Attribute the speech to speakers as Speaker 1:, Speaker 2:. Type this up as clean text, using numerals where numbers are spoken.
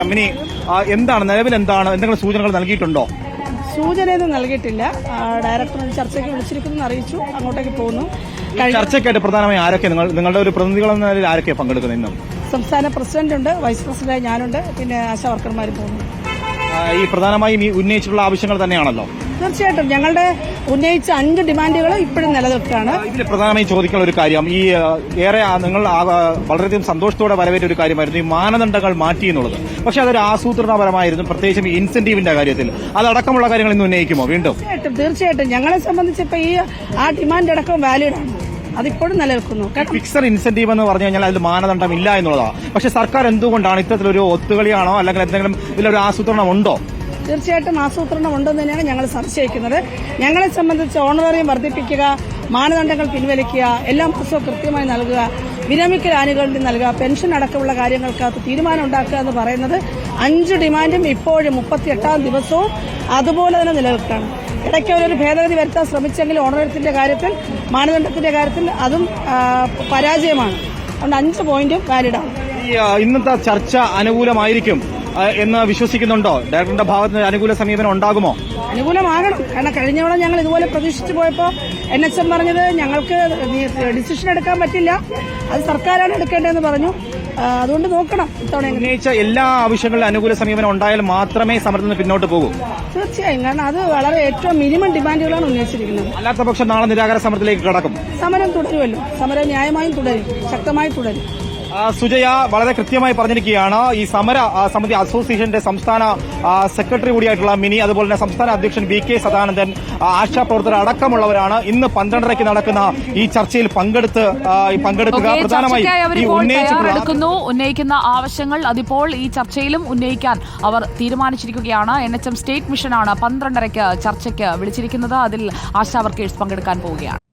Speaker 1: Company എന്താണ് നിലവിൽ എന്തെങ്കിലും സൂചനകൾ നൽകിയിട്ടുണ്ടോ?
Speaker 2: സൂചനയൊന്നും നൽകിയിട്ടില്ല. ഡയറക്ടർ ചർച്ചയ്ക്ക് വിളിച്ചിരിക്കുന്നു അറിയിച്ചു, അങ്ങോട്ടേക്ക് പോകുന്നു.
Speaker 1: ചർച്ചയ്ക്കായിട്ട് പ്രധാനമായി ആരൊക്കെ നിങ്ങളുടെ ഒരു പ്രതിനിധികളെന്ന നിലയിൽ ആരൊക്കെ പങ്കെടുക്കുന്നത്? ഇന്നും
Speaker 2: സംസ്ഥാന പ്രസിഡന്റ് ഉണ്ട്, വൈസ് പ്രസിഡന്റ് ഞാനുണ്ട്, പിന്നെ ആശാ വർക്കർമാർ പോകുന്നു.
Speaker 1: ഈ പ്രധാനമായും ഉന്നയിച്ചിട്ടുള്ള ആവശ്യങ്ങൾ തന്നെയാണല്ലോ.
Speaker 2: തീർച്ചയായിട്ടും ഞങ്ങളുടെ ഉന്നയിച്ച 5 ഡിമാൻഡുകൾ ഇപ്പോഴും നിലനിൽക്കുകയാണ്.
Speaker 1: ഇതിൽ പ്രധാനമായും ചോദിക്കുന്ന ഒരു കാര്യം, ഈ ഏറെ നിങ്ങൾ വളരെയധികം സന്തോഷത്തോടെ വരവേറ്റ ഒരു കാര്യമായിരുന്നു ഈ മാനദണ്ഡങ്ങൾ മാറ്റി എന്നുള്ളത്. പക്ഷെ അതൊരു ആസൂത്രണപരമായിരുന്നു, പ്രത്യേകിച്ചും ഇൻസെന്റീവിന്റെ കാര്യത്തിൽ. അതടക്കമുള്ള കാര്യങ്ങൾ ഇന്ന് ഉന്നയിക്കുമോ വീണ്ടും?
Speaker 2: തീർച്ചയായിട്ടും ഞങ്ങളെ സംബന്ധിച്ച് ഇപ്പൊ ആ ഡിമാൻഡ് അടക്കം വാലിഡ് ആണ്, അതിപ്പോഴും നിലനിൽക്കുന്നു.
Speaker 1: ഫിക്സഡ് ഇൻസെന്റീവ് എന്ന് പറഞ്ഞു കഴിഞ്ഞാൽ അതിൽ മാനദണ്ഡം ഇല്ല എന്നുള്ളതാണ്. പക്ഷെ സർക്കാർ എന്തുകൊണ്ടാണ് ഇത്തരത്തിലൊരു ഒത്തുകളിയാണോ അല്ലെങ്കിൽ എന്തെങ്കിലും ഇതിലൊരു ആസൂത്രണം ഉണ്ടോ?
Speaker 2: തീർച്ചയായിട്ടും ആസൂത്രണം ഉണ്ടെന്ന് തന്നെയാണ് ഞങ്ങൾ സംശയിക്കുന്നത്. ഞങ്ങളെ സംബന്ധിച്ച് ഓണറേറിയം വർദ്ധിപ്പിക്കുക, മാനദണ്ഡങ്ങൾ പിൻവലിക്കുക, എല്ലാ മാസവും കൃത്യമായി നൽകുക, വിരമിക്കൽ ആനുകൂല്യം നൽകുക, പെൻഷൻ അടക്കമുള്ള കാര്യങ്ങൾക്കകത്ത് തീരുമാനം ഉണ്ടാക്കുക എന്ന് പറയുന്നത് 5 ഡിമാൻഡും ഇപ്പോഴും 38ാം ദിവസവും അതുപോലെ തന്നെ നിലനിൽക്കുകയാണ്. ഇടയ്ക്ക് അവരൊരു ഭേദഗതി വരുത്താൻ ശ്രമിച്ചെങ്കിൽ ഓണറേറിയത്തിന്റെ കാര്യത്തിൽ, മാനദണ്ഡത്തിന്റെ കാര്യത്തിൽ അതും പരാജയമാണ്. അതുകൊണ്ട് 5 പോയിന്റും വാലിഡാണ്.
Speaker 1: ഇന്നത്തെ ചർച്ച അനുകൂലമായിരിക്കും എന്ന് വിശ്വസിക്കുന്നുണ്ടോ? ഡയറക്ടറുടെ ഭാഗത്ത് നിന്ന് അനുകൂല സമീപനം ഉണ്ടാകുമോ?
Speaker 2: അനുകൂലമാകണം. കാരണം കഴിഞ്ഞവണ ഞങ്ങൾ ഇതുപോലെ പ്രതീക്ഷിച്ചു പോയപ്പോൾ NHM പറഞ്ഞത് ഞങ്ങൾക്ക് ഡിസിഷൻ എടുക്കാൻ പറ്റില്ല, അത് സർക്കാരാണ് എടുക്കേണ്ടതെന്ന് പറഞ്ഞു. അതുകൊണ്ട് നോക്കണം. ഇത്തവണ
Speaker 1: ഉന്നയിച്ച എല്ലാ ആവശ്യങ്ങളിലും അനുകൂല സമീപനം ഉണ്ടായാൽ മാത്രമേ സമരത്തിന് പിന്നോട്ട് പോകൂ.
Speaker 2: തീർച്ചയായും, കാരണം അത് വളരെ ഏറ്റവും മിനിമം ഡിമാൻഡുകളാണ് ഉന്നയിച്ചിരിക്കുന്നത്.
Speaker 1: അല്ലാത്ത പക്ഷം നാളെ നിരാഹാര സമരത്തിലേക്ക് കടക്കും.
Speaker 2: സമരം തുടരുമല്ലോ, സമരം ന്യായമായും തുടരും, ശക്തമായി തുടരും.
Speaker 1: സുജയ വളരെ കൃത്യമായി പറഞ്ഞിരിക്കുകയാണ്. ഈ സമര സമിതി അസോസിയേഷന്റെ സംസ്ഥാന സെക്രട്ടറി കൂടിയായിട്ടുള്ള മിനി, അതുപോലെ തന്നെ സംസ്ഥാന അധ്യക്ഷൻ VK സദാനന്ദൻ, ആശാപ്രവർത്തകർ അടക്കമുള്ളവരാണ് ഇന്ന് 12:30 നടക്കുന്ന ഈ ചർച്ചയിൽ പങ്കെടുക്കുക. പ്രധാനമായും
Speaker 3: ഉന്നയിക്കുന്ന ആവശ്യങ്ങൾ അതിപ്പോൾ ഈ ചർച്ചയിലും ഉന്നയിക്കാൻ അവർ തീരുമാനിച്ചിരിക്കുകയാണ്. NHM സ്റ്റേറ്റ് മിഷനാണ് 12:30 ചർച്ചയ്ക്ക് വിളിച്ചിരിക്കുന്നത്. അതിൽ ആശാ വർക്കേഴ്സ് പങ്കെടുക്കാൻ പോവുകയാണ്.